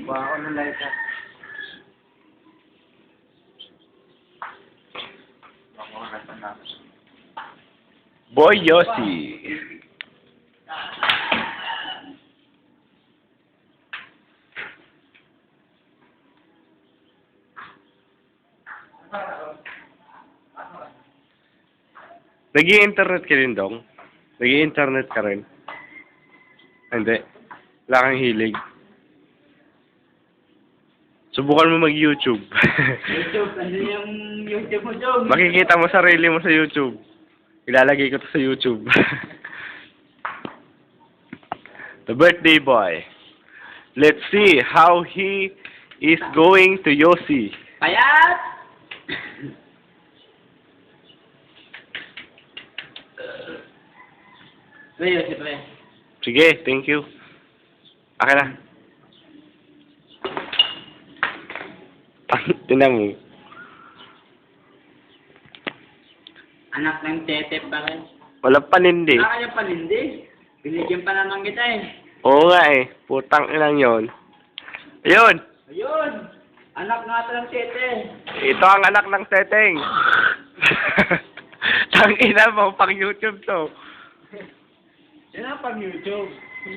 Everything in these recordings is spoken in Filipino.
Kuha ako ng lighter. Boy Yossi. Nag-i-internet ka rin, Dong? Nag-i-internet ka rin? Hindi. Wala kang hilig. Subukan mo mag-YouTube. YouTube, ano yung YouTube mo, Jom? Makikita mo sarili mo sa YouTube. Ilalagay ko to sa YouTube. The birthday boy. Let's see how he is going to Yossi. Payat! Pre, Yossi, pre. Sige, thank you. Akin na. Tinan mo. Anak ng tete pa rin. Walang panindi. Wala kanyang panindi. Binigyan pa naman kita eh. Oo nga eh. Putang inang yon. Ayun! Ayun! Anak nga ito ng tete. Ito ang anak ng teteng. Tang ina mo, pang YouTube to. Yan ang pang YouTube.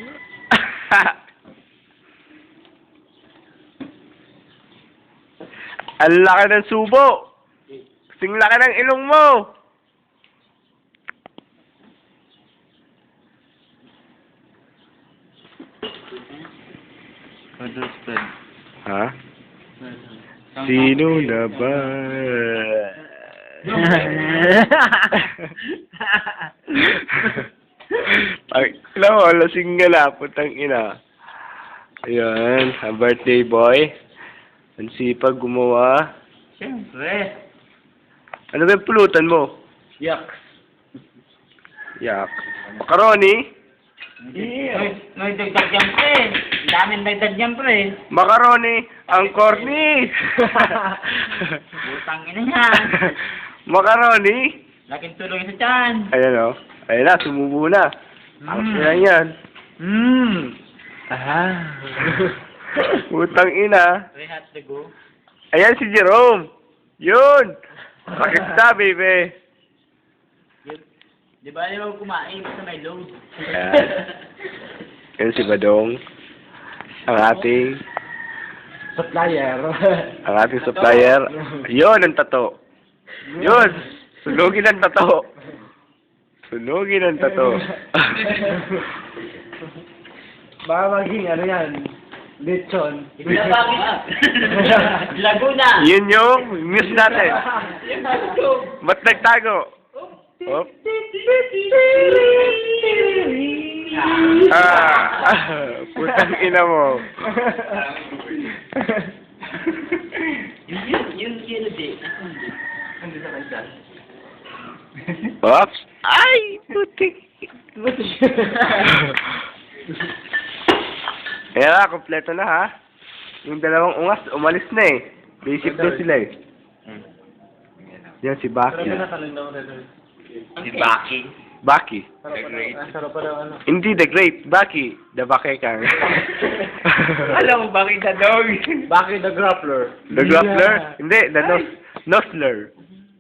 Ang laki ng subo. Sing laki ng ilong mo. Understood. Ha? Sino na ba? Ay, alam mo, lasing nga na, putang ina. Ayan, ang birthday boy. Ang sipag gumawa. Siyempre. Ano ba yung pulutan mo? Yak. Yak. Macaroni? May dagdag yan, pre. Ang daming dagdag yan, pre. Macaroni! Ang corny! Butang ina yan. Macaroni? Laking tuloy sa tiyan. Ayan o. Ayan na, sumubo na. Ang yan yan. Putang ina. Rehat to go. Ayan si Jerome. Yun! Bakit sa, baby? Di ba ayaw kumain sa may load? Ayan. Yan si Badong. Ang ating Supplier. supplier. Yun ang tato. Yun! Sunugin ang tato. Sunugin ang tato. Baka maging ano yan, lechon. Laguna. Yun yung news natin. Ba't nagtago? Oh. Putang ina mo. Yun din. Ano sa kanya? Oops. Ay, putik. Ayan na, kompleto na ha. Yung dalawang ungas, umalis na eh. Basic daw sila eh. Yan si Baki. Si Baki. Baki. Sarap pa daw ano. Hindi the great, Baki. The Bakekang. Alam mo, Baki the dog. Baki the grappler. The Grappler? Hindi, the Nosler.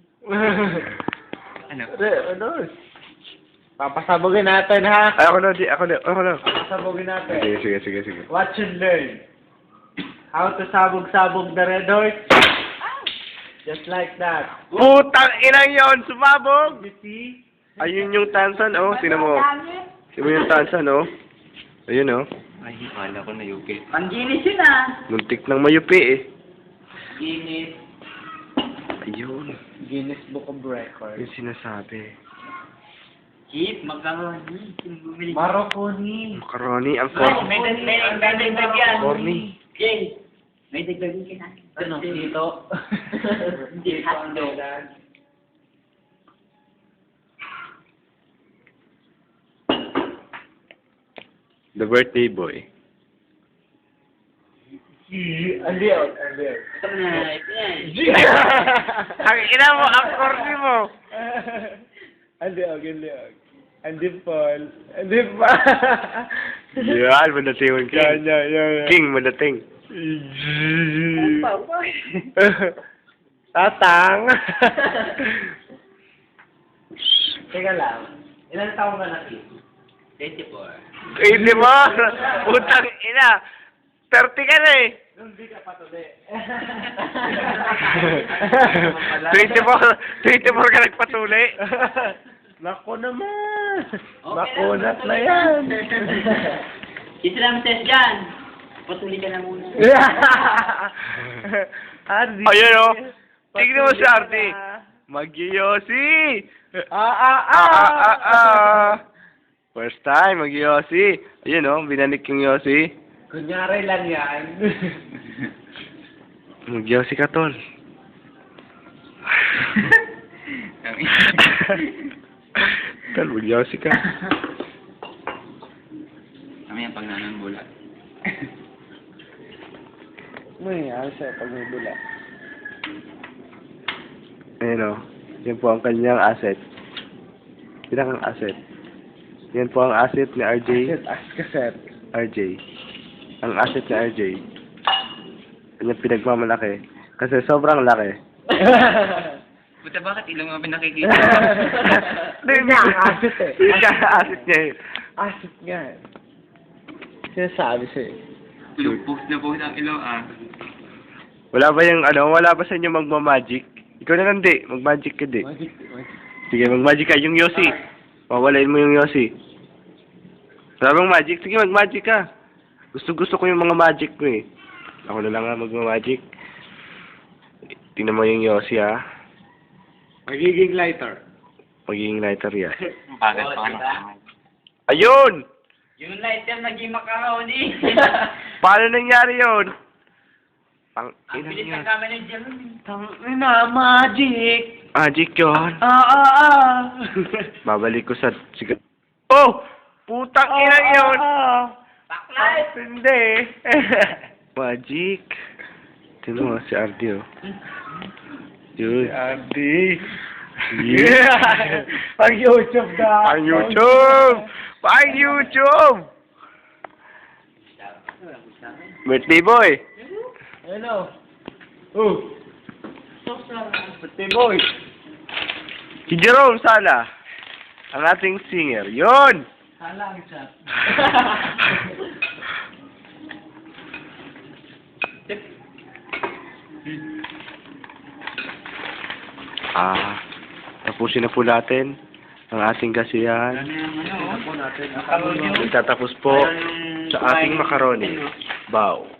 Ano? Ano? Papasabogin natin ha. Ay, ako na. Papasabogin natin. Sige. Watch and learn. How to sabog-sabog the red horse. Just like that. Putang inang yon, sumabog! You see? Ayun yung tansan, oh. Tinan mo. Tinan mo yung tansan, oh. Ayun, oh. Ay, kala ko na yuki. Pang-Guinness yun ah. Muntik ng mayupi, eh. Guinness. Ayun. Guinness Book of Records. Yung sinasabi. Keep, magkaroon. Maroconi. Macaroni, ang Ay, corny. may dagdag yan. Corny. Jay, may dagdag yan. Ano? Dito. Hindi, hotdog. The birthday boy. Aliw. Ito na, ito yan. Ang ina mo, ang corny mo. Aliw. And dimple. Yan, madating ka. Yeah. King, madating. Tatang. Teka lang. Ilan taong ka na, Kim? 24. Hindi mo. Putang ina. 30 ka na eh. Hindi ka pa tuloy. 24 ka nagpatuli. Nako naman. Makunat na yan. Islam test dyan. Patuloy ka na muna. Ardi. Ayun o. Tignan mo si Ardi. Mag-yosi. First time, mag-yosi. Ayun o, binanik yung yosi. Kunyari lang yan. Mag-yosi ka, tol. Tol, mag-yosi ka. Kami ang pagnanambulat. Ano yung siya pag may bula? Ayun o. Yan po ang kanyang asset. Pinakang asset. Yan po ang asset ni RJ. Kaset. RJ. Ang asset ni RJ. Yan pinagmamalaki. Kasi sobrang laki. Buta bakit ilang mga pinakikita? Hindi nga ang asset eh. Yun nga ang asset niya eh. Asset nga eh. Sinasabi sa'yo. Post na post ang ilaw Wala ba yung wala ba sa inyo magmamagic? Ikaw na lang di, mag-magic ka di. Magic. Sige, mag-magic ka. Yung Yossi. Pawalain mo yung Yossi. Wala bang magic? Sige, mag-magic ka. Gusto ko yung mga magic ko eh. Ako na lang nga magmamagic. Tingnan mo yung Yossi ha. Magiging lighter. Magiging lighter yan. Bakit pa Ayun! Yung light yan naging macaroni. Paano nangyari yun? Ang Ang ina bilis niya. ng camera dyan. Tangina, magic. Magic yun. Babalik ko sa... Sige. Oh! Putang ina yun! Backlight. Hindi. Magic. Tingnan mo si Ardi oh. Yun. Andy. Yeah. Pag YouTube na. Pang YouTube! Pang YouTube! Birthday boy! Hello. Birthday boy. Si Jerome Sala. Ang ating singer. Yun! Halang siya. Tapusin na po natin ang ating kasiyahan. Itatapos po sa ating macaroni. Bow.